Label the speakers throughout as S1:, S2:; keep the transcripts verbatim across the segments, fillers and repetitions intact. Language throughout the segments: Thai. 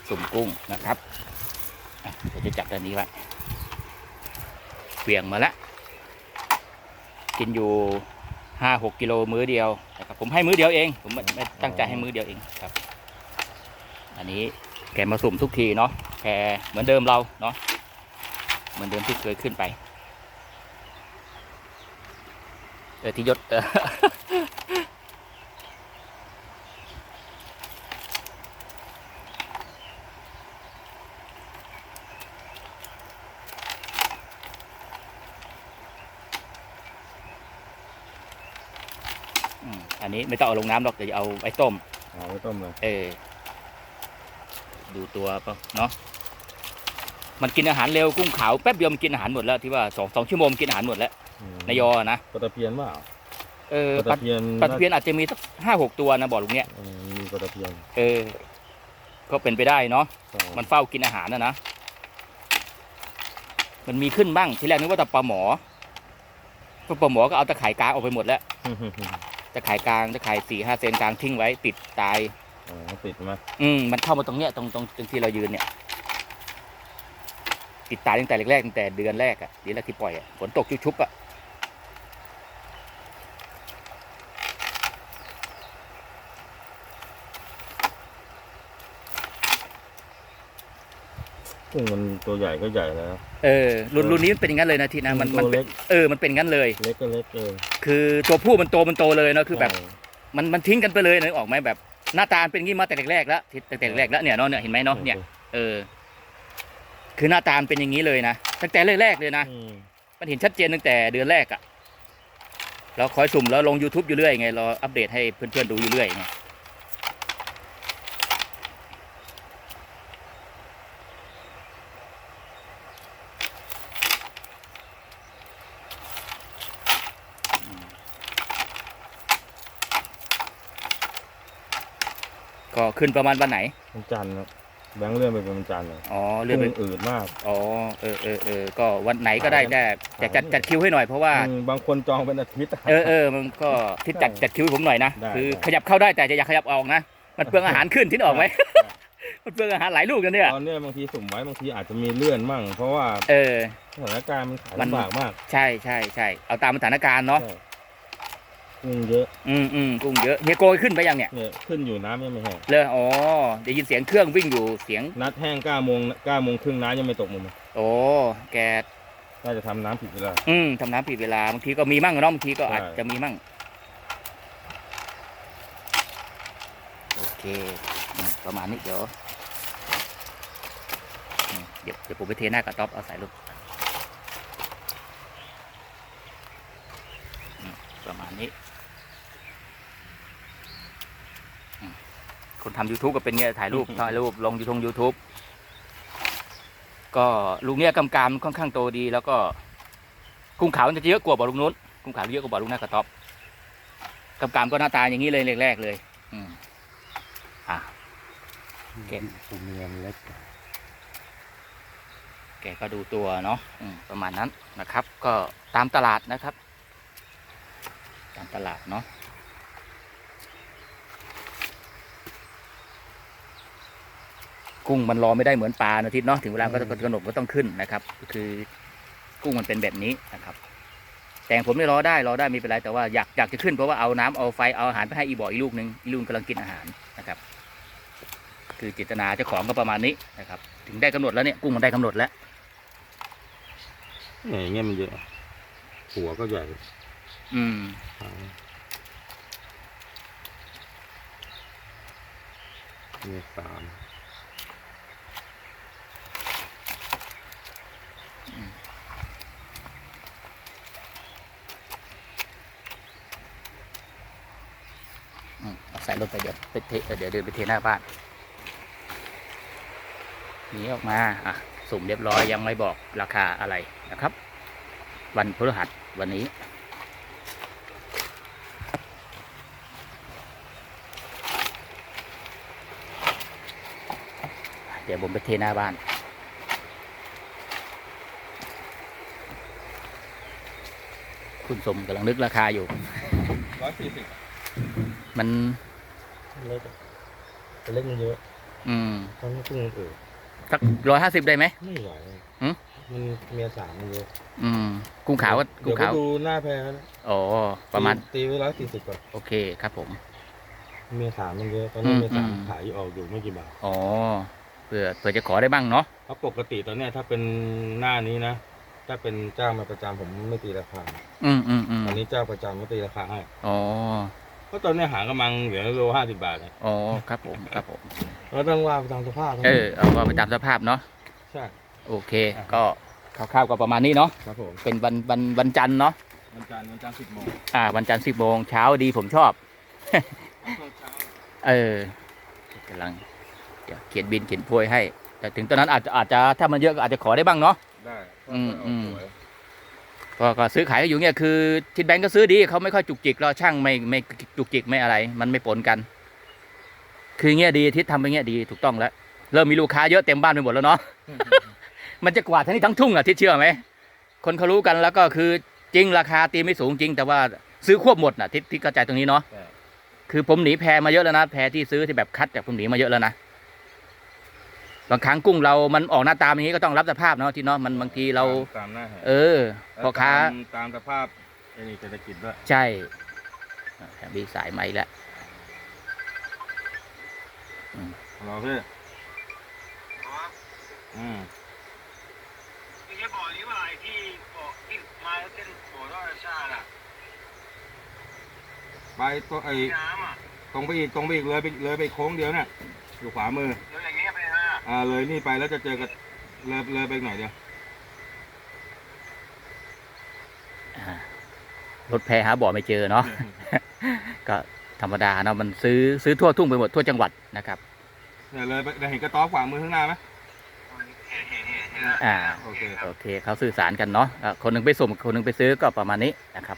S1: สุ่มกุ้งนะครับเดี๋ยวจะจับตัวนี้ไว้เบี่ยงมาแล้วกินอยู่ห้าหกกิโลมื้อเดียวนะครับผมให้มื้อเดียวเองผมไม่ตั้งใจให้มื้อเดียวเองครับอันนี้แกมาสุ่มทุกทีเนาะแกเหมือนเดิมเราเนาะเหมือนเดิมที่เคยขึ้นไปเออที่ยศเอออันนี้ไม่ต้องเอาลงน้ำหรอกเดี๋ยวจะเอาไว้ต้ม
S2: เอาไว้ต้มเลย
S1: เออดูตัวป่ะเนาะมันกินอาหารเร็วกุ้งขาวแป๊บเดียวมันกินอาหารหมดแล้วที่ว่าสองสองชั่วโมงกินอาหารหมดแล้วนายอนะ
S2: ปลาตะเพียนว่า
S1: เออปลาตะเพียนปลาตะเพียนอาจจะมีสักห้าหกตัวนะบอกลุงเนี้ย
S2: มีปลาตะเพียน
S1: เออก็เป็นไปได้เนาะมันเฝ้ากินอาหารนะนะมันมีขึ้นบ้างทีแรกนึกว่าแต่ปลาหมอปลาหมอก็เอาตะข่ายกลางออกไปหมดแล้วตะข่ายกลางตะข่ายสี่ห้าเซนกลางทิ้งไว้ติดตาย
S2: อ๋อติดไหม
S1: อืมมันเข้ามาตรงเนี้ยตรงตรงตรงที่เรายืนเนี่ยติดตายตั้งแต่แรกๆตั้งแต่เดือนแรกอ่ะเดือนแรกที่ปล่อยอ่ะฝนตกชุบๆอ่ะ
S2: กุ้งมันตัวใหญ่ก็ใหญ่แล้ว
S1: เออรุ่นรุ่นนี้เป็นอย่างนั้นเลยนะทีนะมันมันเออมันเป็นงั้นเลย
S2: เล็กก็เล็กเออ
S1: คือตัวผู้มันโตมันโตเลยเนาะคือแบบมันมันทิ้งกันไปเลยนะออกไหมแบบหน้าตาเป็นงี้มาแต่แรกๆแล้วตั้งแต่แรกแล้วเนี่ยเนาะเนี่ยเห็นไหมเนาะเนี่ยเออคือหน้าตาเป็นอย่างนี้เลยนะตั้งแต่แรกๆเลยนะมันเห็นชัดเจนตั้งแต่เดือนแรกอ่ะเราคอยสุ่มแล้วลง YouTube อยู่เรื่อยไงเราอัปเดตให้เพื่อนๆดูอยู่เรื่อยไงก็ขึ้นประมาณวันไหน
S2: วันจันทร์แบงค์เลื่อนไปเป็นวันจันทร์เลย
S1: อ๋อเลื่อนไป
S2: อืดมาก
S1: อ๋อเออเออเออก็วันไหนก็ได้แต่แต่จัดจัดคิวให้หน่อยเพราะว่า
S2: บางคนจองเป็นอาทิตย์
S1: เออเออมันก็ที่จัดจัดคิวให้ผมหน่อยนะคือขยับเข้าได้แต่จะอยากขยับออกนะมันเปลืองอาหารขึ้นที่ออกไหมมันเปลืองอาหารหลายลูกกันเนี่ย
S2: ตอนนี้บางทีสุ่มไว้บางทีอาจจะมีเลื่อนมั่งเพราะว่า
S1: เออ
S2: สถานการณ์มันขายลำบากมาก
S1: ใช่ใช่ใช่เอาตามสถานการณ์เนาะ
S2: กุ้งเยอะ
S1: อืมอืมกุ้งเยอะเฮียโกยขึ้นไปยังเนี่ย
S2: เนี่ยขึ้นอยู่น้ำยังไม่แห้ง
S1: เลยอ๋อได้ยินเสียงเครื่องวิ่งอยู่เสียง
S2: นัดแห้งเก้าโมงเก้าโมงครึ่งน้ำยังไม่ตกมุม
S1: โอ้แก
S2: น่าจะทำน้ำผิดเวลา
S1: อืมทำน้ำผิดเวลาบางทีก็มีมั่งเนาะบางทีก็อาจจะมีมั่งโอเคประมาณนี้เดี๋ยวเดี๋ยวเดี๋ยวผมไปเทหน้ากระต๊อบเอาใส่ลูกประมาณนี้คนทำ YouTube ก็เป็นเงี้ยถ่ายรูปถ่ายรูปลงยูทง YouTube ก็ลุงเนี้ยกำกามค่อนข้างโตดีแล้วก็กุ้งขาวมันจะเยอะกว่าบ่อลุงนู้นกุ้งขาวเยอะกว่าบ่อลุงหน้ากระต๊อบกำกามก็หน้าตาอย่างนี้เลยแรกๆเลยอืมอ่ะแกตัวเมียเล็กแกก็ดูตัวเนาะประมาณนั้นนะครับก็ตามตลาดนะครับตามตลาดเนาะกุ้งมันรอไม่ได้เหมือนปลานะทิศเนาะถึงเวลาก็ต้องกำหนดก็ต้องขึ้นนะครับก็คือกุ้งมันเป็นแบบนี้นะครับแต่ผมไม่รอได้รอได้ไม่เป็นไรแต่ว่าอยากอยากจะขึ้นเพราะว่าเอาน้ำเอาไฟเอาอาหารไปให้อีบ่ออีลูกนึงอีลูกกำลังกินอาหารนะครับคือเจตนาเจ้าของก็ประมาณนี้นะครับถึงได้กำหนดแล้วเนี่ยกุ้งมันได้กำหนดแล้ว
S2: เนี่ยเงี้ยมันเยอะหัวก็ใหญ่
S1: อืม
S2: เนี่ยสาม
S1: ใส่รถไปเดี๋ยวไปเทเดี๋ยวเดินไปเทหน้าบ้านนี้ออกมาอ่ะสุ่มเรียบร้อยยังไม่บอกราคาอะไรนะครับวันพฤหัสวันนี้เดี๋ยวผมไปเทหน้าบ้านคุณสมกำลังนึกราคาอยู่
S2: ร้อยสี่สิบ
S1: มัน
S2: เล็กเล็กมันเยอะ
S1: อืม
S2: ตอนนี้กุ้งมันเออ
S1: สักร้อยห้าสิบได้ไหม
S2: ไม่ไหว
S1: หืม
S2: มันเมียสามมันเยอะ
S1: อืมกุ้งขาวก็กุ้
S2: เดี๋ยว
S1: ง
S2: ไป
S1: ขาว
S2: ดูหน้าแพนะ
S1: อ๋อประมาณ
S2: ตีไว้ร้อยสี่สิบก่อน
S1: โอเคครับผม
S2: เมียสามมันเยอะตอนนี้
S1: อืม
S2: เมียสาม
S1: อืม
S2: ขายออกอยู่ไม่กี่บาท
S1: อ๋อเผื่อเผื่อจะขอได้บ้างเนาะ
S2: เพราะปกติตอนเนี้ยถ้าเป็นหน้านี้นะถ้าเป็นเจ้ามาประจำผมไม่ตีราคา
S1: อืมอืมอืม
S2: ตอนนี้เจ้าประจำก็ตีราคาให้
S1: อ๋อ
S2: เพราะตอนเนี้ยหางกำลังเหลือโลห้าสิบบาทเลย
S1: อ๋อครับผมครับผม
S2: เราต้องว่าไปตามสภาพนะ
S1: เออเอาว่าไปตามสภาพเนาะ
S2: ใช่
S1: โอเค ก็คร่าวๆก็ประมาณนี้เนาะ
S2: ครับผม
S1: เป็นวันวันวันจันทร์เนาะ
S2: วันจันทร์วันจันทร์สิบโมง
S1: อ่าวันจันทร์สิบโมงเช้าดีผมชอบ เออกำลังเดี๋ยวเขียนบินเขียนโพยให้ แต่ถึงตอนนั้นอาจจะอาจจะถ้ามันเยอะก็อาจจะขอได้บ้างเนาะ
S2: ได้
S1: อืมอืม
S2: สวย
S1: ก็ก็ซื้อขายกันอยู่เนี่ยคือทิดแบงก์ก็ซื้อดีเขาไม่ค่อยจุกจิกเราช่างไม่ไม่จุกจิกไม่อะไร มันไม่ปนกัน คือเงี้ยดีทิศทำไปเงี้ยดีถูกต้องแล้วเริ่มมีลูกค้าเยอะเต็มบ้านไปหมดแล้วเนาะ มันจะกวาดทั้งนี้ทั้งทุ่งอ่ะทิศเชื่อไหมคนเขารู้กันแล้วก็คือจริงราคาตีไม่สูงจริง แต่ว่าซื้อควบหมดน่ะทิศที่กระจายตรงนี้เนาะ
S2: ใช่
S1: คือผมหนีแพมาเยอะแล้วนะแพที่ซื้อที่แบบคัดจากผมหนีมาเยอะแล้วนะบางครั้งกุ้งเรามันออกหน้าตาอย่างนี้ก็ต้องรับสภาพเนาะที่เนาะมันบางทีเรา
S2: ตามหน้าแห
S1: เออพ่อค้า
S2: ตมตามสภาพไอ้นี่เศรษฐกิจด้วย
S1: ใช่อ่ะแถมมีสายไหมแล้ว
S2: เราพี่อืม
S3: ไม่ใช่บ่อนี้ว่าไอ้ที่บ่อที่มาแล้วเส้นบ่อราชาติอะ
S2: ไปตัวไอ้
S3: น้ำอ่ะ
S2: ตรงไปอีกตรงไปอีกเลยไปเลยไปโค้งเดียวเนี่ยอยู่ขวามือ
S3: แล้วอย่างเงี้ยไปฮะ
S2: อ่าเลยนี่ไปแล้วจะเจอกับเลยเลยไปหน่อยเดียว
S1: อ่ารถแพหาบ่อไม่เจอเนาะ ก็ธรรมดาเนาะมันซื้อซื้อทั่วทุ่งไปหมดทั่วจังหวัดนะครับ
S2: เนี่ยเลยไปได้เห็นกระต๊อบขวามือข้างหน้าไหม
S3: เห็นเห็นเห็นเห็น
S1: อ่า
S2: โอเค
S1: โอเคเขาสื่อสารกันเนาะอ่ะคนหนึ่งไปส่งคนหนึ่งไปซื้อก็ประมาณนี้นะครับ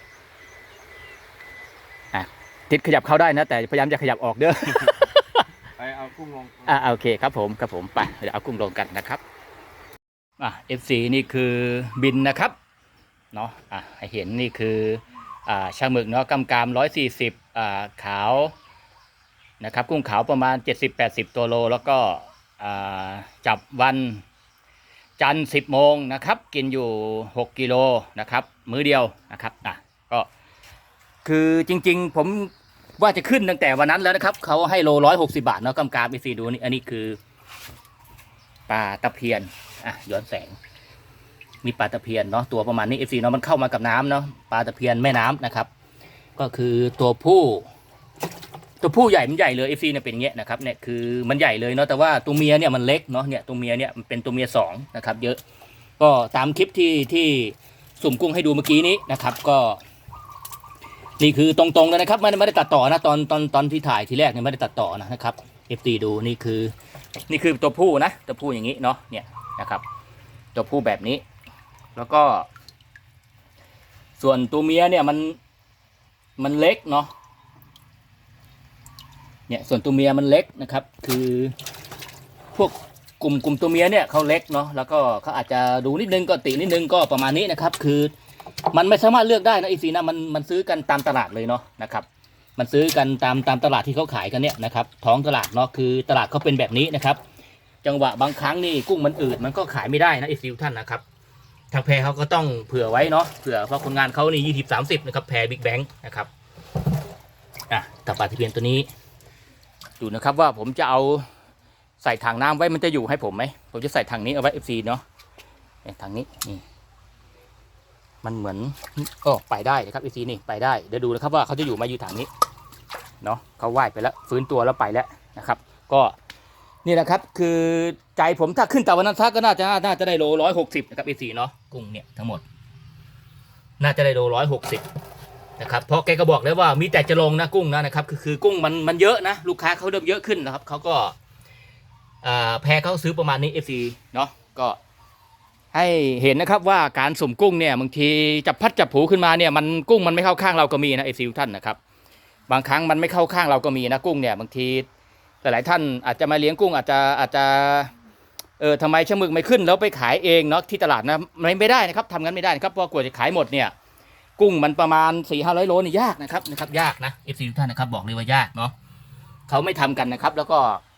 S1: อ่ะทิศขยับเข้าได้นะ แต่พยายามจะขยับออกเด้อ
S2: ไปเอากุ้งลง
S1: อ่าโอเคครับผมครับผมไปเดี๋ยวเอากุ้งลงกันนะครับอ่ะ เอฟ ซี นี่คือบินนะครับเนาะอ่ะให้เห็นนี่คืออ่าช่างหมึกเนาะกำกามร้อยสี่สิบอ่าขาวนะครับกุ้งขาวประมาณเจ็ดสิบแปดสิบตัวโลแล้วก็อ่าจับวันจันทร์สิบโมงนะครับกินอยู่หกกิโลนะครับมื้อเดียวนะครับอ่ะก็คือจริงๆผมว่าจะขึ้นตั้งแต่วันนั้นแล้วนะครับเขาให้โลร้อยหกสิบาทเนาะกำกามไปซีดูนี่อันนี้คือปลาตะเพียนอ่ะย้อนแสงมีปลาตะเพียนเนาะตัวประมาณนี้เอฟซีเนาะมันเข้ามากับน้ำเนาะปลาตะเพียนแม่น้ำนะครับก็คือตัวผู้ตัวผู้ใหญ่มันใหญ่เลยเอฟซีเนี่ยเป็นอย่างเงี้ยนะครับเนี่ยคือมันใหญ่เลยเนาะแต่ว่าตัวเมียเนี่ยมันเล็กเนาะเนี่ยตัวเมียเนี่ยมันเป็นตัวเมียสองนะครับเยอะก็ตามคลิปที่ที่สุ่มกุ้งให้ดูเมื่อกี้นี้นะครับก็นี่คือตรงๆเลยนะครับไม่ได้ไม่ได้ตัดต่อนะตอนตอนตอนที่ถ่ายทีแรกเนี่ยไม่ได้ตัดต่อนะนะครับเอฟซีดูนี่คือนี่คือตัวผู้นะตัวผู้อย่างนี้เนาะเนี่ยนะครับตัวผู้แบบนี้แล้วก็ ส่วนตัวเมียเนี่ยมันมันเล็กเนาะเนี่ยส่วนตัวเมียมันเล็กนะครับคือพวกกลุ่มกลุ่มตัวเมียเนี่ยเขาเล็กเนาะแล้วก็เขาอาจจะดูนิดนึงก็ตินิดนึงก็ประมาณนี้นะครับคือมันไม่สามารถเลือกได้นะอีซีนะมันมันซื้อกันตามตลาดเลยเนาะนะครับมันซื้อกันตามตามตลาดที่เขาขายกันเนี่ยนะครับท้องตลาดเนาะคือตลาดเขาเป็นแบบนี้นะครับจังหวะบางครั้งนี่กุ้งมันอืดมันก็ขายไม่ได้นะอีซีท่านนะครับทางแพรเขาก็ต้องเผื่อไว้เนาะเผื่อเพราะคนงานเขานี่ยี่สิบสามสิบนะครับแพรบิ๊กแบงค์นะครับอ่ะตะปาตะเพียนตัวนี้ดูนะครับว่าผมจะเอาใส่ถังน้ำไว้มันจะอยู่ให้ผมไหมผมจะใส่ถังนี้เอาไว้เอฟซีเนาะถังนี้นี่มันเหมือนโอ้ไปได้นะครับเอฟซีนี่ไปได้เดี๋ยวดูนะครับว่าเขาจะอยู่มาอยู่ถังนี้เนาะเขาว่ายไปแล้วฟื้นตัวแล้วไปแล้วนะครับก็นี่นะครับคือใจผมถ้าขึ้นแต่วันนั้นซักก็น่าจะน่าจะได้โลร้อยหกสิบนะครับเอฟซีเนาะกุ้งเนี่ยทั้งหมดน่าจะได้โลร้อยหกสิบนะครับเพราะแกก็บอกแล้วว่ามีแต่จะลงนะกุ้งนะนะครับคือคือกุ้งมันมันเยอะนะลูกค้าเขาเริ่มเยอะขึ้นนะครับเขาก็แพรเขาซื้อประมาณนี้ เอฟ ซี เนาะก็ให้เห็นนะครับว่าการสุ่มกุ้งเนี่ยบางทีจับพัดจับผูขึ้นมาเนี่ยมันกุ้งมันไม่เข้าข้างเราก็มีนะ เอฟ ซี ท่านนะครับบางครั้งมันไม่เข้าข้างเราก็มีนะกุ้งเนี่ยบางทีหลายๆท่านอาจจะมาเลี้ยงกุ้งอาจจะอาจจะเออทำไมชะมึกไม่ขึ้นแล้วไปขายเองเนาะที่ตลาดนะไม่ไม่ได้นะครับทำงั้นไม่ได้นะครับเพราะกว่าจะขายหมดเนี่ยกุ้งมันประมาณสี่ห้าร้อยโลนี่ยากนะครับนะครับยากนะ เอฟ ซี ท่านนะครับบอกเลยว่ายากเนาะเขาไม่ทำกันนะครับแล้วก็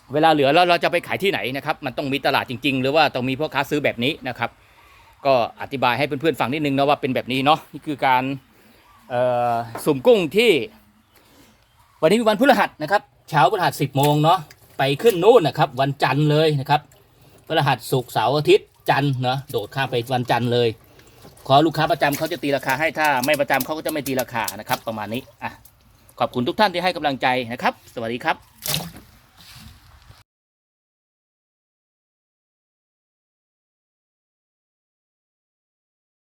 S1: เวลาเหลือแล้วเราจะไปขายที่ไหนนะครับมันต้องมีตลาดจริงๆหรือว่าต้องมีพ่อค้าซื้อแบบนี้นะครับก็อธิบายให้เพื่อนๆฟังนิดนึงนะว่าเป็นแบบนี้เนาะนี่คือการสุ่มกุ้งที่วันนี้เป็นวันพฤหัสนะครับเช้าพฤหัสสิบโมงเนาะไปขึ้นนู่นนะครับวันจันทร์เลยนะครับพฤหัสศุกร์เสาร์อาทิตย์จันทร์เนาะโดดข้ามไปวันจันทร์เลยขอลูกค้าประจำเขาจะตีราคาให้ถ้าไม่ประจำเขาก็จะไม่ตีราคานะครับประมาณนี้อ่ะขอบคุณทุกท่านที่ให้กำลังใจนะครับสวัสดีครับ